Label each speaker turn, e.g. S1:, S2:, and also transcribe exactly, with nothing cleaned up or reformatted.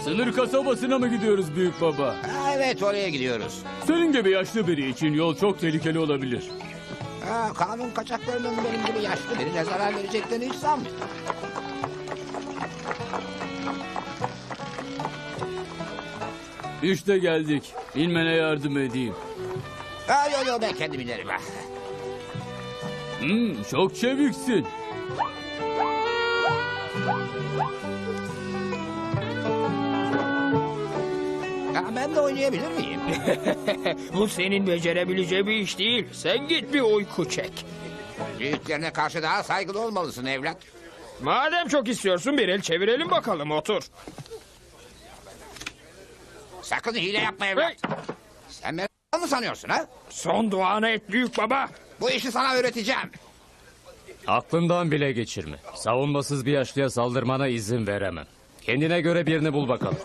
S1: Sınır kasabasına mı gidiyoruz büyük baba?
S2: Ha, evet, oraya gidiyoruz.
S1: Senin gibi yaşlı biri için yol çok tehlikeli olabilir.
S2: Ha, kanun kaçaklarının benim gibi yaşlı birine zarar vereceklerini hiç sanmıyorum.
S1: İşte geldik. İnmene yardım edeyim.
S2: Ha, yo yo, ben kendim inerim. Ha.
S1: Hmm, çok çeviksin.
S2: Ha, ben de oynayabilir miyim?
S3: Bu senin becerebileceğin bir iş değil. Sen git bir uyku çek.
S2: Büyüklerine karşı daha saygılı olmalısın evlat.
S3: Madem çok istiyorsun bir el çevirelim bakalım, otur.
S2: Sakın hile yapma evlat.
S3: Hey!
S2: Sen beni mı sanıyorsun ha?
S3: Son duanı et büyük baba.
S2: Bu işi sana öğreteceğim.
S1: Aklından bile geçirme. Savunmasız bir yaşlıya saldırmana izin veremem. Kendine göre birini bul bakalım.